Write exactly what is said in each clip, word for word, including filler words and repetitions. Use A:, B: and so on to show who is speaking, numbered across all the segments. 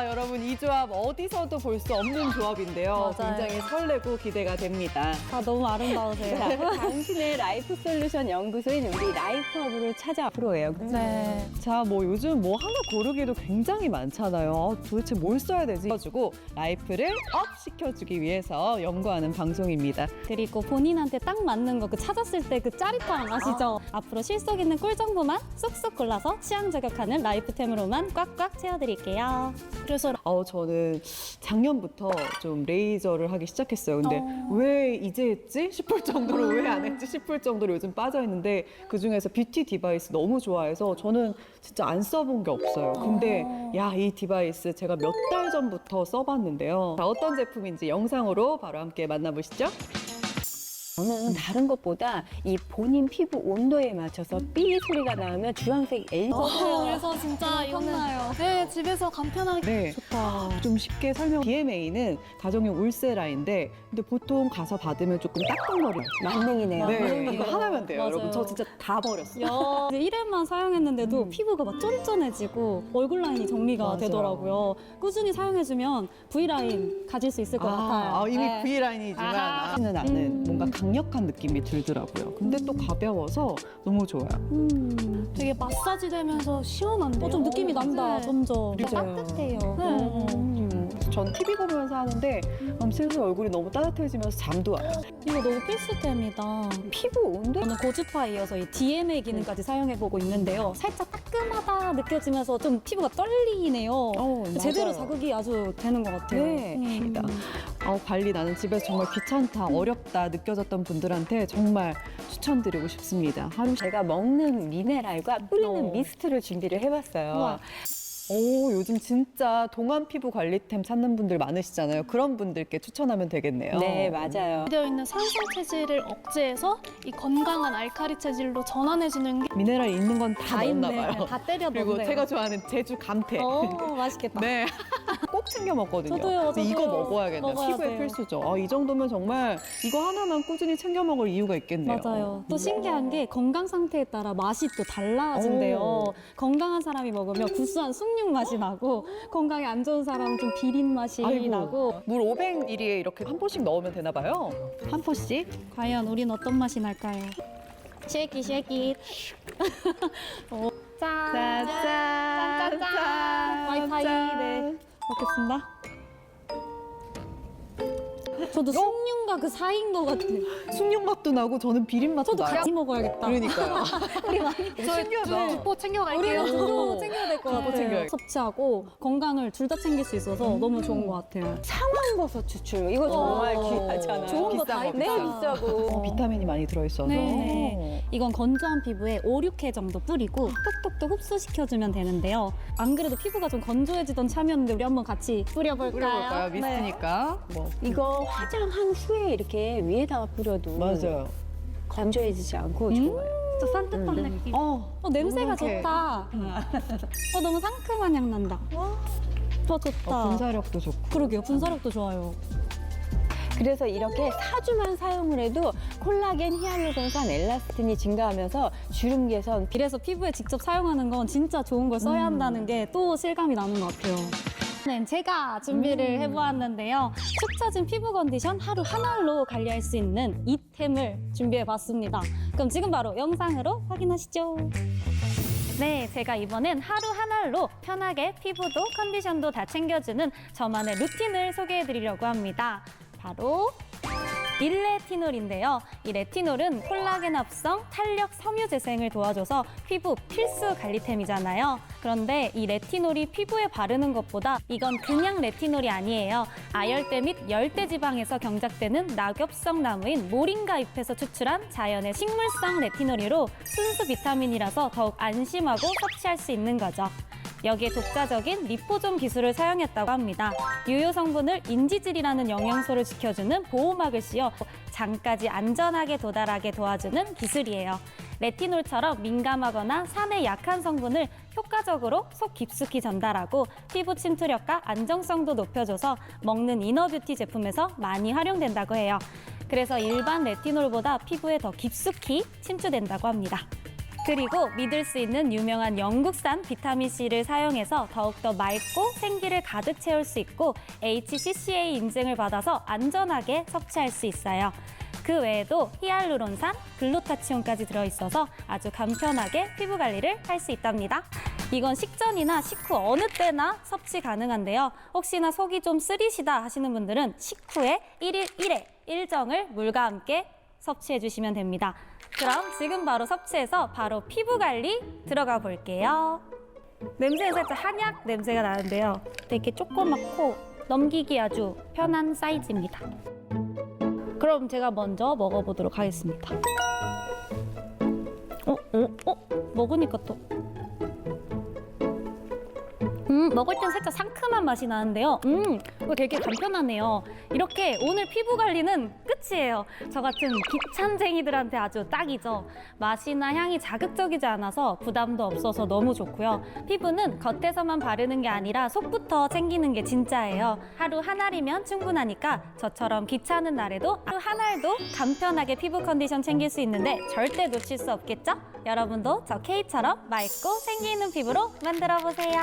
A: 여러분 이 조합 어디서도 볼 수 없는 조합인데요.
B: 맞아요.
A: 굉장히 설레고 기대가 됩니다.
B: 아, 너무 아름다우세요.
C: 당신의 라이프 솔루션 연구소인 우리 라이프업으로 찾아 프로예요. 그치?
B: 네.
A: 자, 뭐 요즘 뭐 하나 고르기도 굉장히 많잖아요. 아, 도대체 뭘 써야 되지? 가지고 라이프를 업 시켜주기 위해서 연구하는 방송입니다.
B: 그리고 본인한테 딱 맞는 거 그 찾았을 때 그 짜릿함 아시죠? 앞으로 실속 있는 꿀 정보만 쏙쏙 골라서 취향 저격하는 라이프템으로만 꽉꽉 채워드릴게요.
A: 그래서 어, 저는 작년부터 좀 레이저를 하기 시작했어요. 근데
B: 어.
A: 왜 이제 했지? 싶을 정도로 왜 안 했지? 싶을 정도로 요즘 빠져 있는데 그중에서 뷰티 디바이스 너무 좋아해서 저는 진짜 안 써본 게 없어요. 근데 야, 이 디바이스 제가 몇 달 전부터 써봤는데요. 자, 어떤 제품인지 영상으로 바로 함께 만나보시죠.
C: 저는 다른 것보다 이 본인 피부 온도에 맞춰서 삐 소리가 나오면 주황색 엘이디
D: 어, 그래서 진짜 이거는
B: 컸나요?
D: 네, 집에서 간편하게
A: 네.
B: 좋다.
A: 좀 쉽게 설명. 비엠에이는 가정용 울세라인데 근데 보통 가서 받으면 조금 따끔거려요.
C: 만능이네요.
A: 네, 이거 하나면 돼요,
B: 맞아요.
A: 여러분. 저 진짜 다 버렸어요.
B: 야, 이제 일 회만 사용했는데도
A: 음.
B: 피부가 막 쫀쫀해지고 얼굴 라인이 정리가
A: 맞아요.
B: 되더라고요. 꾸준히 사용해주면 V라인 가질 수 있을 것 같아요.
A: 아, 이미
B: 네.
A: V라인이지만
B: 아하.
A: 하지는 않은
B: 음.
A: 뭔가 강력한 느낌이 들더라고요. 근데 또 가벼워서 너무 좋아요.
B: 음.
D: 되게 마사지 되면서 시원한데요.
B: 어, 좀 느낌이 난다,
D: 네.
B: 점점.
A: 맞아요.
B: 따뜻해요.
D: 네.
A: 음, 전 티비 보면서 하는데 음, 슬슬 얼굴이 너무 따뜻해지면서 잠도 와요.
B: 이거 너무 필수템이다.
C: 피부 온도?
B: 저는 고주파에 이어서 이 디엠에이 기능까지 사용해보고 있는데요. 살짝 따끔하다 느껴지면서 좀 피부가 떨리네요.
A: 어,
B: 제대로
A: 맞아요.
B: 자극이 아주 되는 것 같아요.
C: 네.
B: 음.
A: 어, 관리 나는 집에서 정말 귀찮다, 어렵다 느껴졌던 분들한테 정말 추천드리고 싶습니다. 하루
C: 제가 먹는 미네랄과 뿌리는
A: 어.
C: 미스트를 준비를 해봤어요.
B: 우와.
A: 오, 요즘 진짜 동안 피부 관리템 찾는 분들 많으시잖아요. 그런 분들께 추천하면 되겠네요.
C: 네, 맞아요.
D: 되어 있는 산성 체질을 억제해서 이 건강한 알칼리 체질로 전환해주는 게
A: 미네랄 있는 건 다
B: 다
A: 넣었나
B: 있네.
A: 봐요.
B: 다 때려
A: 그리고
B: 넣네요.
A: 제가 좋아하는 제주 감태.
B: 어, 맛있겠다.
A: 네. 꼭 챙겨 먹거든요.
B: 저도요,
A: 근데 이거
B: 저도요.
A: 먹어야겠네요.
B: 먹어야
A: 피부에
B: 돼요.
A: 필수죠. 아, 이 정도면 정말 이거 하나만 꾸준히 챙겨 먹을 이유가 있겠네요.
B: 맞아요. 또 신기한 게 건강 상태에 따라 맛이 또 달라진대요.
A: 오.
B: 건강한 사람이 먹으면 구수한 숭늉 맛이 나고 건강에 안 좋은 사람은 좀 비린 맛이
A: 아이고.
B: 나고
A: 물 오백 밀리리터에 이렇게 한 포씩 넣으면 되나 봐요. 한 포씩.
B: 과연 우린 어떤 맛이 날까요? 쉐이키 쉐이키. 어, 짠.
A: 짠짠.
B: 짠. 와이파이. 네. 먹겠습니다. 저도 숭늉과 그 사이인 것 같아.
A: 숭늉 맛도 나고 저는 비린 맛도
B: 저도
A: 나요.
B: 같이 먹어야겠다.
A: 그러니까요.
B: 우리 많이
A: 신기하다.
D: 두포 챙겨갈게요.
B: 우리가 두고 챙겨야 될 것
A: 두고
B: 같아요.
A: 챙겨야겠다.
B: 섭취하고 건강을 둘 다 챙길 수 있어서 너무 좋은 것 같아요.
C: 상황버섯 추출. 이거 정말
B: 어,
C: 귀하잖아요.
B: 좋은 거 다
A: 비싼 거,
B: 있다.
C: 네, 비싸고.
A: 어, 비타민이 많이 들어있어서.
B: 네. 이건 건조한 피부에 오, 육 회 정도 뿌리고 톡톡톡 흡수시켜주면 되는데요. 안 그래도 피부가 좀 건조해지던 참이었는데 우리 한번 같이 뿌려볼까요?
A: 뿌려볼까요?
B: 네.
A: 미스트니까. 뭐.
C: 이거 화장한 후에 이렇게 위에다가 뿌려도
A: 맞아요.
C: 건조해지지 않고
B: 음,
C: 좋아요.
B: 또 산뜻한 느낌.
A: 어,
B: 어, 냄새가
A: 이렇게.
B: 좋다. 어, 너무 상큼한 향 난다. 더 좋다.
A: 어, 분사력도 좋고.
B: 그러게요. 분사력도 좋아요.
C: 그래서 이렇게 사 주만 사용을 해도 콜라겐, 히알루론산, 엘라스틴이 증가하면서 주름 개선.
B: 이래서 피부에 직접 사용하는 건 진짜 좋은 걸 써야 한다는 게 또 실감이 나는 것 같아요. 네, 제가 준비를 해보았는데요. 축 처진 피부 컨디션 하루 한 알로 관리할 수 있는 이템을 준비해봤습니다. 그럼 지금 바로 영상으로 확인하시죠. 네, 제가 이번엔 하루 한 알로 편하게 피부도 컨디션도 다 챙겨주는 저만의 루틴을 소개해드리려고 합니다. 바로 일레티놀인데요. 이 레티놀은 콜라겐 합성, 탄력, 섬유 재생을 도와줘서 피부 필수 관리템이잖아요. 그런데 이 레티놀이 피부에 바르는 것보다 이건 그냥 레티놀이 아니에요. 아열대 및 열대 지방에서 경작되는 낙엽성 나무인 모링가 잎에서 추출한 자연의 식물성 레티놀이로 순수 비타민이라서 더욱 안심하고 섭취할 수 있는 거죠. 여기에 독자적인 리포존 기술을 사용했다고 합니다. 유효 성분을 인지질이라는 영양소를 지켜주는 보호막을 씌워 장까지 안전하게 도달하게 도와주는 기술이에요. 레티놀처럼 민감하거나 산에 약한 성분을 효과적으로 속 깊숙이 전달하고 피부 침투력과 안정성도 높여줘서 먹는 이너뷰티 제품에서 많이 활용된다고 해요. 그래서 일반 레티놀보다 피부에 더 깊숙이 침투된다고 합니다. 그리고 믿을 수 있는 유명한 영국산 비타민C를 사용해서 더욱더 맑고 생기를 가득 채울 수 있고 에이치씨씨에이 인증을 받아서 안전하게 섭취할 수 있어요. 그 외에도 히알루론산, 글루타치온까지 들어있어서 아주 간편하게 피부 관리를 할 수 있답니다. 이건 식전이나 식후 어느 때나 섭취 가능한데요. 혹시나 속이 좀 쓰리시다 하시는 분들은 식후에 일일 일회 일정을 물과 함께 섭취해 주시면 됩니다. 그럼 지금 바로 섭취해서 바로 피부 관리 들어가 볼게요. 냄새는 살짝 한약 냄새가 나는데요. 되게 조그맣고 넘기기 아주 편한 사이즈입니다. 그럼 제가 먼저 먹어보도록 하겠습니다. 어, 어, 어? 먹으니까 또 음, 먹을 땐 살짝 상큼한 맛이 나는데요. 음, 이거 되게 간편하네요. 이렇게 오늘 피부 관리는 끝이에요. 저 같은 귀찮쟁이들한테 아주 딱이죠. 맛이나 향이 자극적이지 않아서 부담도 없어서 너무 좋고요. 피부는 겉에서만 바르는 게 아니라 속부터 챙기는 게 진짜예요. 하루 한 알이면 충분하니까 저처럼 귀찮은 날에도 하루 한 알도 간편하게 피부 컨디션 챙길 수 있는데 절대 놓칠 수 없겠죠? 여러분도 저 K처럼 맑고 생기 있는 피부로 만들어 보세요.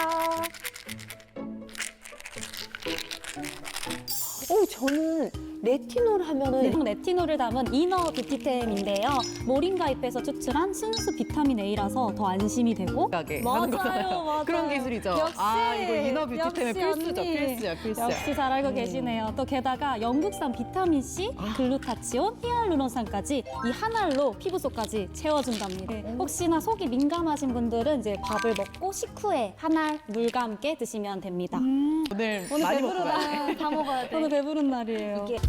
C: 어, 저는 레티놀 하면은
B: 네, 레티놀을 담은 이너 뷰티템인데요. 모링가 잎에서 추출한 순수 비타민 A라서 더 안심이 되고
A: 가게
B: 맞아요,
A: 하는 거잖아요.
B: 맞아요.
A: 그런 기술이죠.
B: 역시,
A: 아, 이거 이너 뷰티템의
B: 역시
A: 필수죠.
B: 언니.
A: 필수야, 필수야.
B: 역시 잘 알고 계시네요. 또 게다가 영국산 비타민C, 글루타치온, 히알루론산까지 이 한 알로 피부 속까지 채워준답니다. 네, 혹시나 속이 민감하신 분들은 이제 밥을 먹고 식후에 한 알 물과 함께 드시면 됩니다.
A: 오늘,
B: 오늘
A: 많이 먹고 가야 돼.
B: 배부르다. 다 먹어야 돼. 오늘 배부른 날이에요.
C: 이게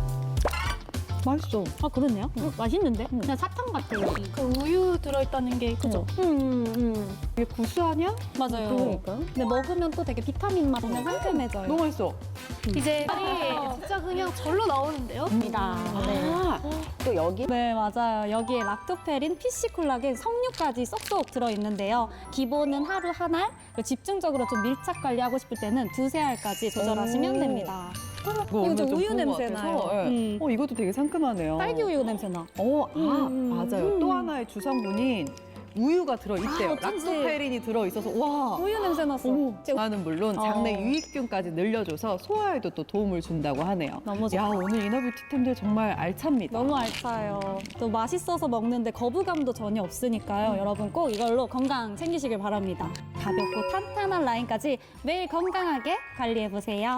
A: 맛있어.
B: 아, 그렇네요. 맛있는데? 그냥 사탕 같아요.
D: 그 우유 들어있다는 게 그죠?
B: 음, 음, 음.
A: 이게 구수하냐?
B: 맞아요.
C: 그러니까.
B: 근데 먹으면 또 되게 비타민 맛 나면 상큼해져요.
A: 너무 맛있어.
D: 이제 살이 진짜 그냥 절로 나오는데요?
B: 입니다. 네.
C: 아, 또 여기
B: 네, 맞아요. 여기에 락토페린, 피시콜라겐, 석류까지 쏙쏙 들어있는데요. 기본은 하루 한 알, 그리고 집중적으로 좀 밀착 관리하고 싶을 때는 두세 알까지 조절하시면
A: 오.
B: 됩니다.
A: 이거
B: 이거
A: 오늘
B: 좀
A: 좀
B: 우유
A: 좋은 것
B: 냄새
A: 같아서,
B: 나요.
A: 예.
B: 음.
A: 어, 이것도 되게 상큼하네요.
B: 딸기 우유 냄새 나.
A: 어, 아,
B: 음.
A: 맞아요. 또 하나의 주성분인 우유가 들어있대요.
B: 아, 어쩐지.
A: 락토페린이 들어있어서, 와.
B: 우유 냄새 났어.
A: 오,
B: 제-
A: 나는 물론 장내
B: 어.
A: 유익균까지 늘려줘서 소화에도 또 도움을 준다고 하네요.
B: 너무 좋다.
A: 야, 오늘 이너뷰티템들 정말 알찹니다.
B: 너무 알차요. 또 맛있어서 먹는데 거부감도 전혀 없으니까요. 여러분 꼭 이걸로 건강 챙기시길 바랍니다. 가볍고 탄탄한 라인까지 매일 건강하게 관리해보세요.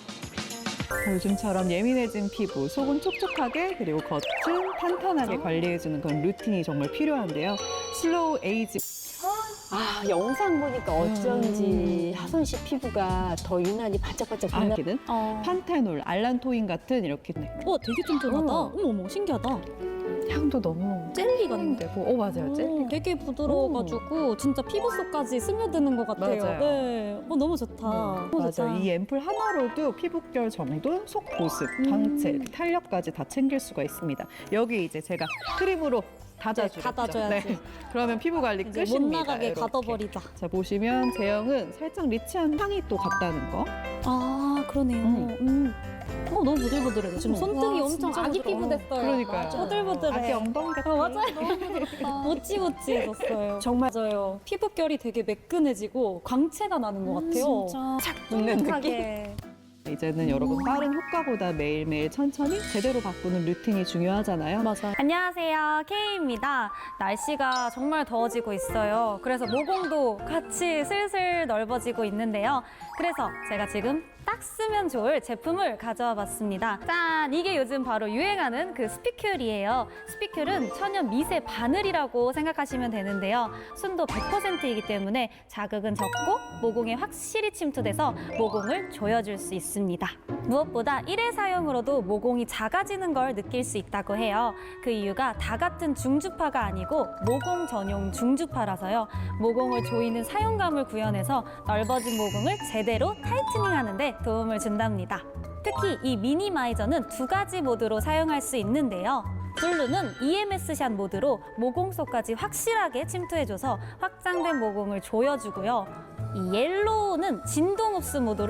A: 요즘처럼 예민해진 피부, 속은 촉촉하게 그리고 겉은 탄탄하게 관리해주는 그런 루틴이 정말 필요한데요. 슬로우 에이지
C: 아, 영상 보니까 어쩐지 하선 씨 피부가 더 유난히 반짝반짝 빛나.
A: 아기는
B: 어,
A: 판테놀, 알란토인 같은 이렇게
B: 어 되게 쫀쫀하다.
C: 어.
B: 어머, 어머, 신기하다.
A: 향도 너무
B: 젤리 같네.
A: 되고, 어 맞아요, 젤리.
B: 오, 되게 부드러워가지고 진짜 피부 속까지 스며드는 것 같아요.
A: 맞아요.
B: 네, 어, 너무 좋다. 너무 좋다.
A: 맞아요. 이 앰플 하나로도 피부결 정돈, 속 보습,
B: 음.
A: 광채, 탄력까지 다 챙길 수가 있습니다. 여기 이제 제가 크림으로 닫아주죠.
B: 네, 닫아줘야지.
A: 그러면 피부 관리
B: 이제
A: 끝입니다.
B: 못 나가게
A: 이렇게.
B: 가둬버리자.
A: 자, 보시면 제형은 살짝 리치한 향이 또 같다는 거.
B: 아, 그러네요.
A: 음.
B: 음. 어, 너무 부들부들해요. 지금
A: 음.
B: 손등이
D: 와,
B: 엄청
D: 진짜
B: 아기
D: 부드러워.
B: 피부 됐어요.
A: 그러니까요.
B: 부들부들해.
A: 아기 엉덩이 같은
B: 어, 맞아요. 모찌모찌해졌어요.
C: 정말
B: 맞아요. 피부결이 되게 매끈해지고 광채가 나는 것 같아요.
D: 진짜
A: 붙는 느낌.
B: 하게.
A: 이제는 여러분 빠른 효과보다 매일매일 천천히 제대로 바꾸는 루틴이 중요하잖아요.
B: 맞아요. 안녕하세요. K입니다. 날씨가 정말 더워지고 있어요. 그래서 모공도 같이 슬슬 넓어지고 있는데요. 그래서 제가 지금 딱 쓰면 좋을 제품을 가져와 봤습니다. 짠! 이게 요즘 바로 유행하는 그 스피큘이에요. 스피큘은 천연 미세 바늘이라고 생각하시면 되는데요. 순도 백 퍼센트이기 때문에 자극은 적고 모공에 확실히 침투돼서 모공을 조여줄 수 있습니다. 무엇보다 일회 사용으로도 모공이 작아지는 걸 느낄 수 있다고 해요. 그 이유가 다 같은 중주파가 아니고 모공 전용 중주파라서요. 모공을 조이는 사용감을 구현해서 넓어진 모공을 제대로 타이트닝하는 데 도움을 준답니다. 특히 이 미니마이저는 두 가지 모드로 사용할 수 있는데요. 블루는 이엠에스 샷 모드로 모공 속까지 확실하게 침투해줘서 확장된 모공을 조여주고요. 이 옐로우는 진동 흡수 모드로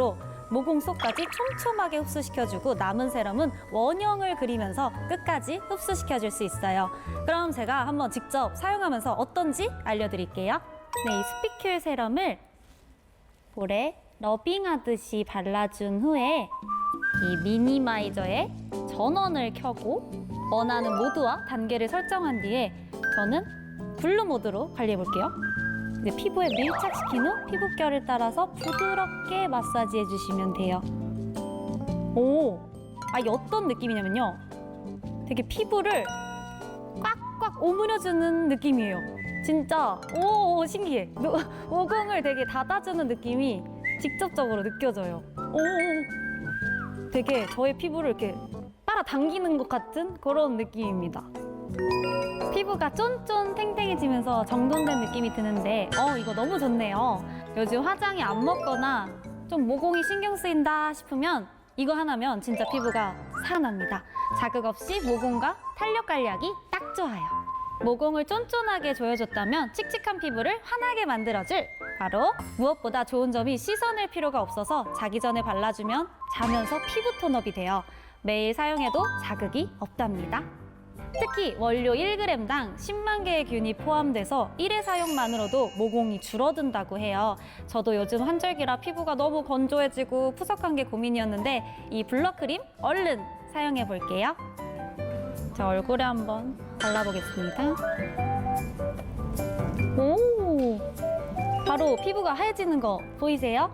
B: 모공 속까지 촘촘하게 흡수시켜주고 남은 세럼은 원형을 그리면서 끝까지 흡수시켜줄 수 있어요. 그럼 제가 한번 직접 사용하면서 어떤지 알려드릴게요. 네, 이 스피큘 세럼을 볼에 러빙하듯이 발라준 후에 이 미니마이저에 전원을 켜고 원하는 모드와 단계를 설정한 뒤에 저는 블루 모드로 관리해 볼게요. 이제 피부에 밀착시킨 후 피부결을 따라서 부드럽게 마사지해 주시면 돼요. 오, 아 이게 어떤 느낌이냐면요. 되게 피부를 꽉꽉 오므려주는 느낌이에요. 진짜 오 신기해. 노- 모공을 되게 닫아주는 느낌이 직접적으로 느껴져요. 오, 되게 저의 피부를 이렇게 빨아당기는 것 같은 그런 느낌입니다. 피부가 쫀쫀 탱탱해지면서 정돈된 느낌이 드는데 어 이거 너무 좋네요. 요즘 화장이 안 먹거나 좀 모공이 신경 쓰인다 싶으면 이거 하나면 진짜 피부가 살아납니다. 자극 없이 모공과 탄력 관리하기 딱 좋아요. 모공을 쫀쫀하게 조여줬다면 칙칙한 피부를 환하게 만들어줄 바로 무엇보다 좋은 점이 씻어낼 필요가 없어서 자기 전에 발라주면 자면서 피부 톤업이 돼요. 매일 사용해도 자극이 없답니다. 특히 원료 일 그램당 십만 개의 균이 포함돼서 일 회 사용만으로도 모공이 줄어든다고 해요. 저도 요즘 환절기라 피부가 너무 건조해지고 푸석한 게 고민이었는데 이 블러크림 얼른 사용해 볼게요. 제 얼굴에 한번 발라보겠습니다. 오, 바로 피부가 하얘지는 거 보이세요?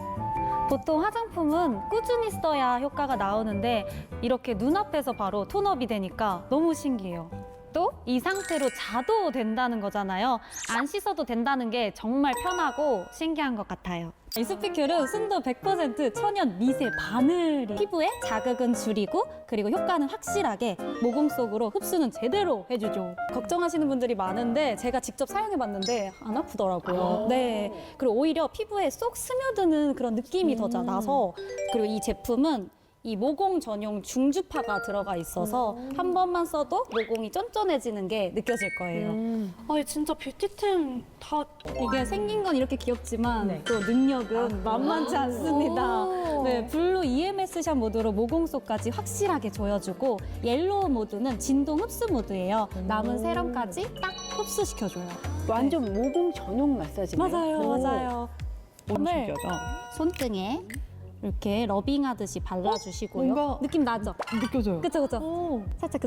B: 보통 화장품은 꾸준히 써야 효과가 나오는데 이렇게 눈앞에서 바로 톤업이 되니까 너무 신기해요. 또 이 상태로 자도 된다는 거잖아요. 안 씻어도 된다는 게 정말 편하고 신기한 것 같아요. 이 스피큘은 순도 백 퍼센트 천연 미세 바늘이 피부에 자극은 줄이고 그리고 효과는 확실하게 모공 속으로 흡수는 제대로 해주죠. 걱정하시는 분들이 많은데 제가 직접 사용해봤는데 안 아프더라고요. 네, 그리고 오히려 피부에 쏙 스며드는 그런 느낌이 더 자- 나서 그리고 이 제품은 이 모공 전용 중주파가 들어가 있어서 한 번만 써도 모공이 쫀쫀해지는 게 느껴질 거예요.
D: 아, 진짜 뷰티템 다
B: 이게 생긴 건 이렇게 귀엽지만 또 능력은 만만치 않습니다. 네, 블루 이엠에스 샷 모드로 모공 속까지 확실하게 조여주고 옐로우 모드는 진동 흡수 모드예요. 남은 세럼까지 딱 흡수시켜줘요.
C: 완전 모공 전용 마사지네요.
B: 맞아요, 맞아요.
A: 너무
B: 을
A: 신기하다.
B: 손등에 이렇게 러빙하듯이 발라주시고요.
A: 뭔가-
B: 느낌 나죠?
A: 느껴져요.
B: 그쵸, 그쵸? 살짝 그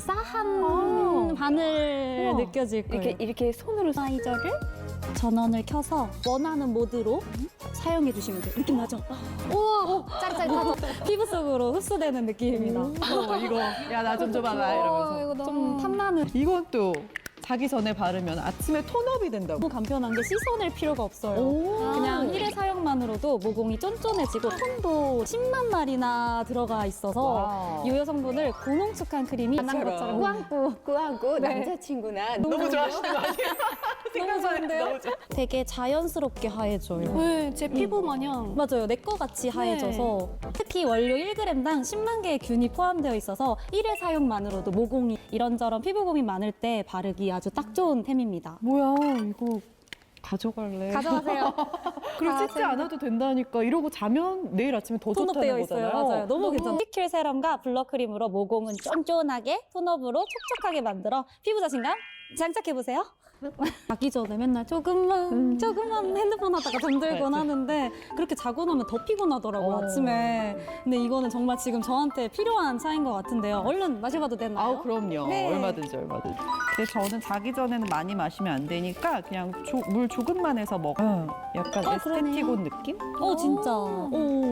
B: 싸한 바늘
A: 우와.
B: 느껴질 거예요.
C: 이렇게 이렇게 손으로
B: 마이저를 전원을 켜서 원하는 모드로 사용해 주시면 돼요. 느낌 나죠? 우와, 짜릿짜릿하죠? 피부 속으로 흡수되는 느낌입니다.
A: 어, 이거 야 나 좀 줘봐라 이러면서.
B: 좀 탐나는.
A: 이건 또 자기 전에 바르면 아침에 톤업이 된다고.
B: 너무 간편한 게 씻어낼 필요가 없어요.
A: 오.
B: 그냥 일 회 사용만으로도 모공이 쫀쫀해지고 톤도 십만 마리나 들어가 있어서
A: 와우.
B: 유효 성분을 고농축한 크림이 한 것처럼 꾸안꾸.
C: 꾸하고 남자친구나
A: 너무 좋아하시는 거 아니에요?
B: 너무 좋은데요?
A: 너무 좋아.
B: 되게 자연스럽게 하얘져요.
D: 왜 제 피부 마냥
B: 맞아요. 내 거 같이 하얘져서 특히 원료 일 그램당 십만 개의 균이 포함되어 있어서 일 회 사용만으로도 모공이 이런저런 피부 고민 많을 때 바르기 아주 딱 좋은 템입니다.
A: 뭐야 이거 가져갈래?
B: 가져가세요.
A: 그리고 씻지 않아도 된다니까 이러고 자면 내일 아침에 더 좋다는
B: 톤업되어 있어요.
A: 거잖아요.
B: 맞아요. 너무 괜찮아요. 스피큘 세럼과 블러크림으로 모공은 쫀쫀하게 톤업으로 촉촉하게 만들어 피부 자신감 장착해보세요. 자기 전에 맨날 조금만 조금만 핸드폰 하다가 잠들곤
A: 맞아.
B: 하는데 그렇게 자고 나면 더 피곤하더라고요.
A: 어.
B: 아침에. 근데 이거는 정말 지금 저한테 필요한 차인 것 같은데요. 얼른 마셔봐도 되나요?
A: 아우 그럼요.
B: 네.
A: 얼마든지 얼마든지. 근데 저는 자기 전에는 많이 마시면 안 되니까 그냥 조, 물 조금만 해서 먹어. 요 약간
B: 어,
A: 에스테티곤 느낌?
B: 어 진짜. 오.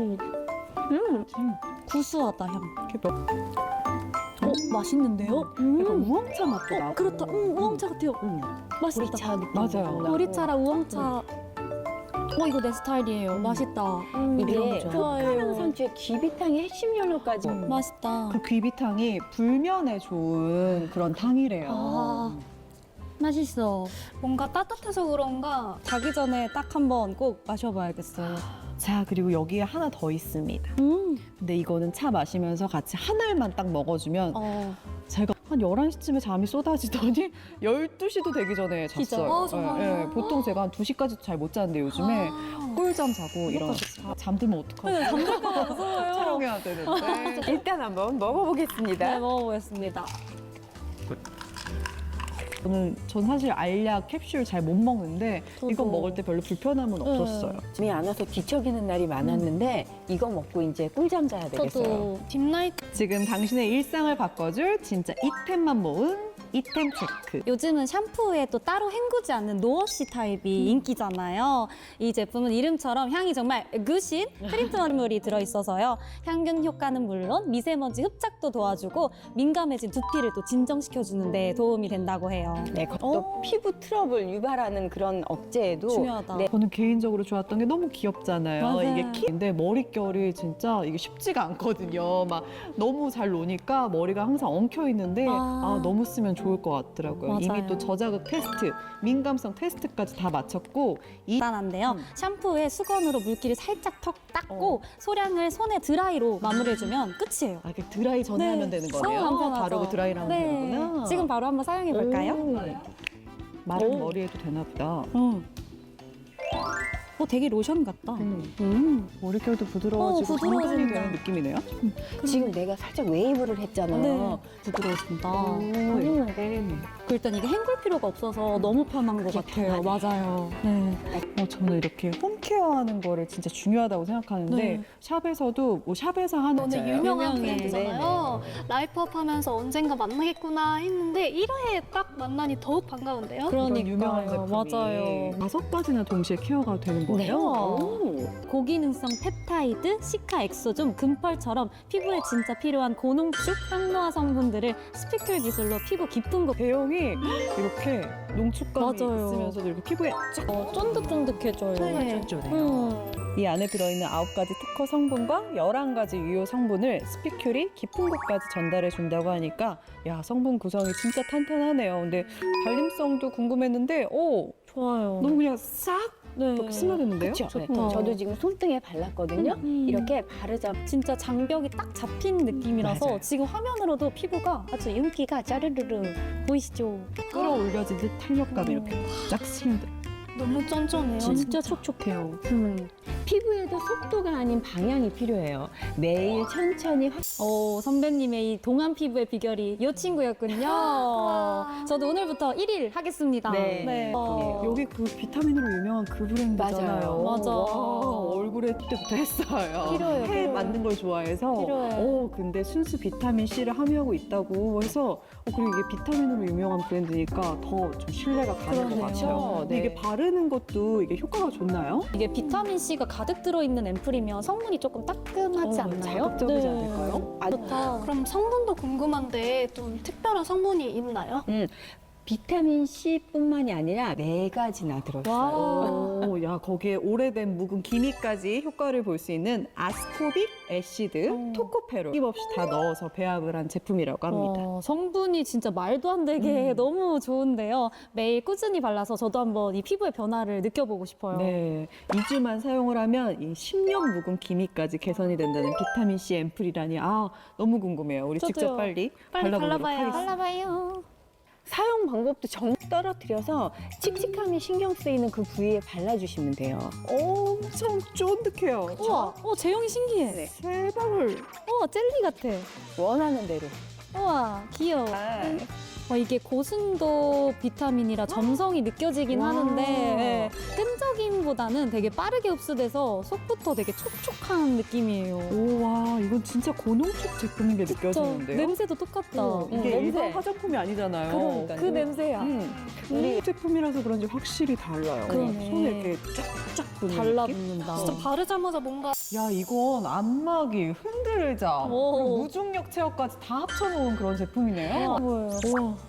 B: 음. 구수하다 향.
A: 이렇게 몇,
B: 어 맛있는데요? 음.
A: 약간 우엉차 맛도 나고.
B: 그렇다. 음, 우엉차 같아요.
A: 음.
B: 맛있다.
C: 보리차 느낌.
A: 맞아요.
B: 보리차랑 우엉차. 어 이거 내 스타일이에요.
A: 음.
B: 맛있다.
C: 이게
A: 이런 거죠.
C: 흑화랑 상추의 귀비탕의 핵심 요로까지.
A: 음.
B: 맛있다.
A: 그 귀비탕이 불면에 좋은 그런 탕이래요.
B: 아 맛있어.
D: 뭔가 따뜻해서 그런가
B: 자기 전에 딱 한번 꼭 마셔봐야겠어요.
A: 자 그리고 여기에 하나 더 있습니다.
B: 음.
A: 근데 이거는 차 마시면서 같이 한 알만 딱 먹어주면
B: 어.
A: 제가 한 열한 시쯤에 잠이 쏟아지더니 열두 시도 되기 전에
B: 진짜?
A: 잤어요.
D: 아, 정말요?
A: 예, 예. 보통 제가 한 두 시까지도 잘 못 자는데 요즘에 꿀잠 자고 이런 잠들면 어떡하지?
B: 네, 잠들까 무서워요.
A: 촬영해야 되는데.
C: 일단 한번 먹어보겠습니다.
B: 네, 먹어보겠습니다.
A: 저는 전 사실 알약 캡슐 잘 못 먹는데
B: 저도.
A: 이건 먹을 때 별로 불편함은
B: 네.
A: 없었어요.
C: 잠이 안 와서 뒤척이는 날이 많았는데 이거 먹고 이제 꿀잠 자야 되겠어요.
B: 저도
D: 딥라이트
A: 지금 당신의 일상을 바꿔줄 진짜 이템만 모은 이템 체크.
B: 요즘은 샴푸에 또 따로 헹구지 않는 노워시 타입이 인기잖아요. 이 제품은 이름처럼 향이 정말 으그신 트리트먼트물이 들어있어서요. 향균 효과는 물론 미세먼지 흡착도 도와주고 민감해진 두피를 또 진정시켜주는 데 도움이 된다고 해요.
C: 네, 또 피부 트러블 유발하는 그런 억제에도
B: 중요하다.
C: 네,
A: 저는 개인적으로 좋았던 게 너무 귀엽잖아요.
B: 맞아요.
A: 이게 키인데 머릿결이 진짜 이게 쉽지가 않거든요. 막 너무 잘 노니까 머리가 항상 엉켜 있는데
B: 아.
A: 아, 너무 쓰면 좋을 것 같더라고요.
B: 맞아요.
A: 이미 또 저자극 테스트, 민감성 테스트까지 다 마쳤고 이
B: 간단한데요. 샴푸에 수건으로 물기를 살짝 턱 닦고 소량을 손에 드라이로 마무리해주면 끝이에요.
A: 아, 이렇게 드라이 전에
B: 네.
A: 하면 되는
B: 너무
A: 거네요.
B: 간편하죠.
A: 바르고 드라이를 하면
B: 네.
A: 되는구나.
B: 지금 바로 한번 사용해 볼까요?
A: 오. 마른
B: 오.
A: 머리에도 되나 보다.
B: 어. 어, 되게 로션 같다.
A: 음.
B: 음.
A: 머릿결도 부드러워지고
B: 어,
A: 정돈이
B: 부드러워진다.
A: 되는 느낌이네요.
C: 지금 내가 살짝 웨이브를 했잖아요.
B: 네. 부드러워진다.
A: 음.
B: 그 일단 이게 헹굴 필요가 없어서 너무 편한 것 같아요. 맞아요. 네.
A: 어, 저는 이렇게 홈케어하는 거를 진짜 중요하다고 생각하는데
B: 네.
A: 샵에서도 뭐 샵에서 하는
D: 오늘
A: 진짜요?
D: 유명한
B: 유명해.
D: 브랜드잖아요. 라이프업 하면서 언젠가 만나겠구나 했는데 일 회에 딱 만나니 더욱 반가운데요.
A: 이런 유명한
B: 그러니까요.
A: 제품이
B: 맞아요.
A: 다섯 가지나 동시에 케어가 되는 거예요.
B: 네.
A: 오.
B: 고기능성 펩타이드, 시카 엑소좀, 금펄처럼 피부에 진짜 필요한 고농축, 항노화 성분들을 스피큘 기술로 피부 깊은 곳
A: 대형이 이렇게 농축감이
B: 맞아요.
A: 있으면서도 이렇게 피부에 쫙
B: 어, 쫀득쫀득해져요.
D: 네.
B: 음.
A: 이 안에 들어있는 아홉 가지 특허 성분과 열한 가지 유효 성분을 스피큘이 깊은 곳까지 전달해 준다고 하니까 야, 성분 구성이 진짜 탄탄하네요. 근데 발림성도 궁금했는데 오,
B: 좋아요.
A: 너무 그냥 싹
B: 네.
A: 이렇게 스며드는데요?
C: 그렇죠.
B: 좋다.
C: 저도 지금 손등에 발랐거든요.
B: 음.
C: 이렇게 바르자
B: 진짜 장벽이 딱 잡힌 느낌이라서
A: 맞아요.
B: 지금 화면으로도 피부가 아주 윤기가 짜르르르 보이시죠?
A: 끌어올려진 듯 탄력감이 이렇게 쫙 스며들.
D: 너무 쫀쫀해요.
B: 진짜 촉촉해요.
C: 음, 피부에도 속도가 아닌 방향이 필요해요. 매일 천천히 확
B: 어, 선배님의 이 동안 피부의 비결이 이 친구였군요. 저도 오늘부터 일 일 하겠습니다.
C: 네.
B: 어,
A: 여기 그 비타민으로 유명한 그 브랜드잖아요.
C: 맞아요.
B: 맞아.
A: 와, 얼굴에 때부터 했어요.
B: 필요해요,
A: 해
B: 필요해.
A: 만든 걸 좋아해서.
B: 필요해.
A: 어, 근데 순수 비타민 C를 함유하고 있다고 해서 어, 그리고 이게 비타민으로 유명한 브랜드니까 더 좀 신뢰가 가는 것
B: 그러네요.
A: 같아요. 근데
C: 네.
A: 이게 바르는 것도 이게 효과가 좋나요?
B: 이게 비타민 C가 가득 들어있는 앰플이면 성분이 조금 따끔하지
A: 어,
B: 않나요?
A: 자극적이지 않을까요?
C: 아주
B: 좋다.
D: 그럼 성분도 궁금한데 좀 특별한 성분이 있나요?
C: 음, 비타민 C뿐만이 아니라 네 가지나 들어있어요.
B: 와.
A: 오, 야, 거기에 오래된 묵은 기미까지 효과를 볼 수 있는 아스코빅 애시드,
B: 어.
A: 토코페롤 힘없이 다 넣어서 배합을 한 제품이라고 합니다.
B: 어, 성분이 진짜 말도 안 되게
A: 음.
B: 너무 좋은데요. 매일 꾸준히 발라서 저도 한번 이 피부의 변화를 느껴보고 싶어요.
A: 네, 이 주만 사용을 하면 이 십 년 묵은 기미까지 개선이 된다는 비타민 C 앰플이라니 아 너무 궁금해요. 우리
B: 저도요.
A: 직접 빨리,
D: 빨리
A: 발라보도록
D: 발라봐요.
A: 하겠습니다.
B: 발라봐요.
C: 사용 방법도 정 떨어뜨려서 칙칙함이 신경 쓰이는 그 부위에 발라주시면 돼요.
A: 엄청 쫀득해요.
B: 우와, 어, 제형이 신기해.
C: 네.
A: 세 방울.
B: 우와, 젤리 같아.
C: 원하는 대로.
B: 우와, 귀여워. 와, 이게 고순도 비타민이라 점성이 느껴지긴
A: 와.
B: 하는데 예, 끈적임보다는 되게 빠르게 흡수돼서 속부터 되게 촉촉한 느낌이에요.
A: 오, 와, 이건 진짜 고농축 제품인 게
B: 저
A: 느껴지는데요?
B: 냄새도 똑같다.
A: 어, 이게
C: 냄새.
A: 일반 화장품이 아니잖아요.
C: 그러니까요.
B: 그 냄새야.
A: 음, 우리 제품이라서 그런지 확실히 달라요.
B: 그러네.
A: 손에 이렇게 쫙쫙 붙는 느낌?
B: 달라붙는다.
D: 진짜 바르자마자 뭔가
A: 야, 이건 안마기, 흔들자,
B: 오.
A: 그리고 무중력 체어까지 다 합쳐놓은 그런 제품이네요.
B: 뭐예요?
A: 우와.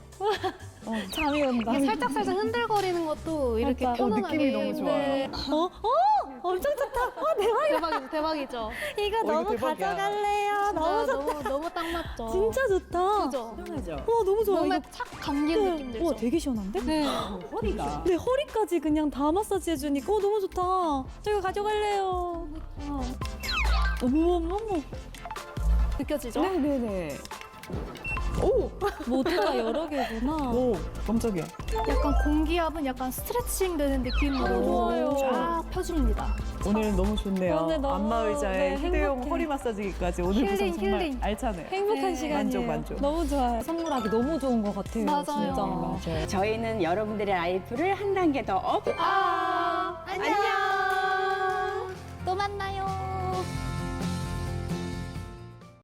B: 잠이 온다.
D: 이게 살짝살짝 흔들거리는 것도 이렇게
B: 맞다.
A: 어,
D: 편안하게.
A: 느낌이 너무 좋아요.
D: 네.
B: 어? 어? 엄청 좋다. 어, 대박이다.
D: 대박이죠, 대박이죠.
B: 이거
A: 이거
B: 너무
A: 대박이야.
B: 가져갈래요. 너무
D: 진짜
B: 좋다.
D: 너무 너무 딱 맞죠.
B: 진짜 좋다.
D: 그죠?
C: 편하죠.
B: 와, 너무 좋아.
D: 몸에
B: 이거
D: 착 감기는 느낌 들죠.
B: 와, 되게 시원한데?
D: 네.
A: 허리가.
B: 네, 허리까지 그냥 다 마사지 해주니까 어, 너무 좋다. 저 이거 가져갈래요. 어머, 어머, 어머.
D: 느껴지죠?
A: 네네네. 오!
B: 모두가 여러 개구나.
A: 오, 깜짝이야.
D: 약간 공기압은 약간 스트레칭 되는 느낌으로
B: 좋아요.
D: 쫙 펴줍니다.
A: 오늘 너무 좋네요.
B: 오늘 너무,
A: 안마의자에
B: 네,
A: 휴대용
B: 행복해.
A: 허리 마사지기까지 오늘 구성
D: 힐링,
A: 정말
D: 힐링.
A: 알차네요.
B: 행복한
D: 네.
B: 시간이에요.
A: 만족, 만족.
B: 너무 좋아요. 선물하기 너무 좋은 것 같아요.
D: 맞아요.
B: 진짜.
C: 저희는 여러분들의 라이프를 한 단계 더 업.
D: 아, 안녕.